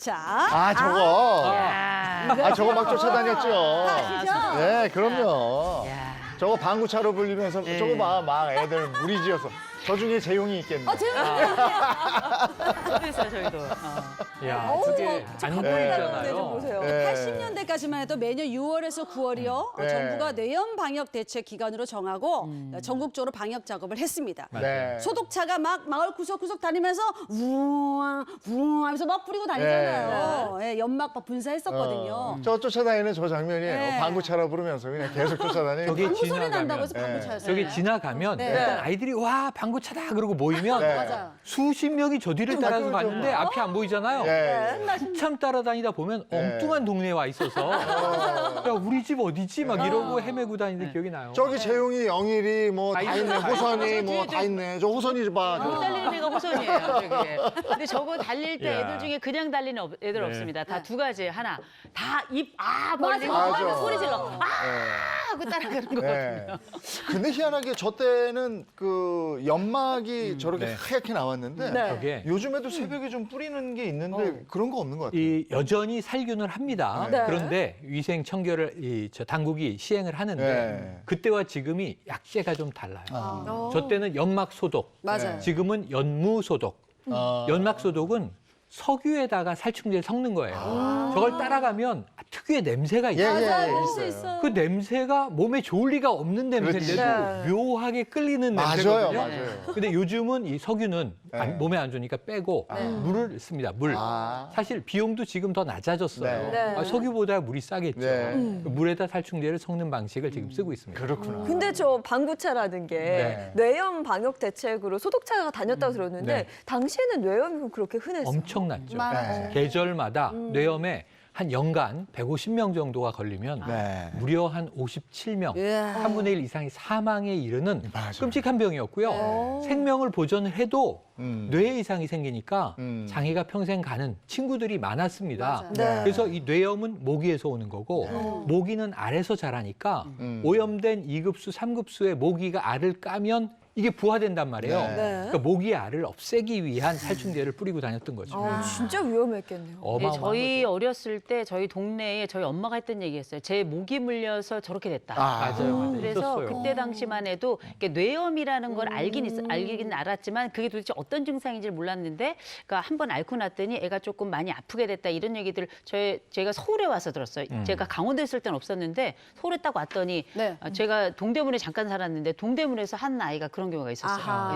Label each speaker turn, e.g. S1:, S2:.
S1: 자,
S2: 아, 저거.
S3: 야.
S2: 저거 막 쫓아다녔죠.
S1: 아시죠?
S2: 네, 그럼요.
S3: 야.
S2: 저거 방구차로 불리면서
S3: 네.
S2: 저거 막 애들 무리지어서 저 중에 재용이 있겠네.
S3: 저도 있어요, 저희도.
S4: 야,
S1: 어우,
S4: 그게
S1: 저
S4: 안
S1: 가보니까
S4: 보이잖아요.
S1: 좀 보세요.
S2: 네.
S1: 80년대까지만 해도 매년 6월에서 9월이요.
S2: 네.
S1: 정부가 뇌염 방역 대책 기간으로 정하고 전국적으로 방역 작업을 했습니다.
S2: 네.
S1: 소독차가 막 마을 구석구석 다니면서 우왕 우왕 하면서 막 뿌리고 다니잖아요. 예, 연막 막 분사했었거든요.
S2: 저 쫓아다니는 저 장면이에요.
S1: 네.
S2: 방구차로 부르면서 그냥 계속 쫓아다니는.
S4: 저기
S1: 방구 소리
S4: 지나가면,
S1: 난다고 해서
S2: 네.
S1: 방구차였어요.
S4: 저기 지나가면
S1: 네.
S4: 일단 아이들이 와 방구차다 그러고 모이면
S2: 네.
S1: 맞아요.
S4: 수십 명이 저 뒤를 따라서
S2: 그렇죠.
S4: 가는데 앞이 안 보이잖아요.
S2: 예.
S4: 한참 따라다니다 보면
S2: 네.
S4: 엉뚱한 동네에 와 있어서 야 우리 집 어디지 막 이러고 헤매고 다니는 기억이 나요.
S2: 저기 재용이, 영일이 뭐 다
S4: 다
S2: 있네.
S4: 있어요.
S2: 호선이 뭐 다 있네. 저 호선이 봐.
S3: 못 달리는 애가 호선이에요, 저게. 근데 저거 달릴 때
S4: 야.
S3: 애들 중에 그냥 달리는 애들
S4: 네.
S3: 없습니다. 다 두 가지. 하나, 다 벌리고
S2: 맞아.
S3: 하면 소리 질러.
S2: 네.
S3: 하고 따라가는 거거든요.
S2: 네. 근데 희한하게 저 때는 그 연막이 저렇게
S4: 네.
S2: 하얗게 나왔는데
S1: 네.
S4: 저게
S2: 요즘에도 새벽에 좀 뿌리는 게 있는데 그런 거 없는 것 같아요.
S4: 이 여전히 살균을 합니다.
S2: 네.
S4: 그런데 위생 청결을 저 당국이 시행을 하는데
S2: 네.
S4: 그때와 지금이 약재가 좀 달라요.
S2: 아.
S4: 저 때는 연막 소독,
S1: 맞아요.
S4: 지금은 연무 소독.
S2: 아.
S4: 연막 소독은 석유에다가 살충제를 섞는 거예요. 저걸 따라가면 특유의 냄새가 있어요.
S2: 예,
S1: 맞아요.
S2: 예,
S1: 볼수
S2: 있어요.
S1: 있어요.
S4: 그 냄새가 몸에 좋을 리가 없는 냄새인데도
S1: 그렇지.
S4: 묘하게 끌리는
S2: 맞아요,
S4: 냄새거든요.
S2: 맞아요.
S4: 근데 요즘은 이 석유는
S2: 네.
S4: 몸에 안 좋으니까 빼고 물을 씁니다. 물.
S2: 아.
S4: 사실 비용도 지금 더 낮아졌어요.
S2: 네.
S4: 석유보다 물이 싸겠죠.
S2: 네.
S4: 그 물에다 살충제를 섞는 방식을 지금 쓰고 있습니다.
S2: 그렇구나.
S5: 근데 저 방구차라는 게
S2: 네.
S5: 뇌염 방역 대책으로 소독차가 다녔다고 들었는데
S4: 네.
S5: 당시에는 뇌염이 그렇게 흔했어요?
S4: 엄청났죠.
S2: 네.
S4: 계절마다 뇌염에 한 연간 150명 정도가 걸리면
S2: 네.
S4: 무려 한 57명,
S1: 예.
S4: 3분의 1 이상이 사망에 이르는
S2: 맞아요.
S4: 끔찍한 병이었고요. 생명을 보존을 해도 뇌 이상이 생기니까 장애가 평생 가는 친구들이 많았습니다.
S1: 맞아요.
S2: 네.
S4: 그래서 이 뇌염은 모기에서 오는 거고 모기는 알에서 자라니까 오염된 2급수, 3급수의 모기가 알을 까면 이게 부화된단 말이에요.
S2: 네.
S4: 그러니까 모기 알을 없애기 위한 살충제를 뿌리고 다녔던 거죠.
S5: 진짜 위험했겠네요.
S3: 네,
S4: 어마어마한
S3: 저희
S4: 거죠.
S3: 어렸을 때 저희 동네에 저희 엄마가 했던 얘기였어요. 제 목이 물려서 저렇게 됐다.
S4: 맞아요.
S3: 그래서
S4: 있었어요.
S3: 그때 당시만 해도 이렇게 뇌염이라는 걸 알긴 알았지만 그게 도대체 어떤 증상인지를 몰랐는데 그러니까 한번 앓고 났더니 애가 조금 많이 아프게 됐다 이런 얘기들 제가 서울에 와서 들었어요. 제가 강원도에 있을 땐 없었는데 서울에 딱 왔더니
S1: 네.
S3: 제가 동대문에 잠깐 살았는데 동대문에서 한 아이가 그런 경우가 있었어요.
S1: 아하.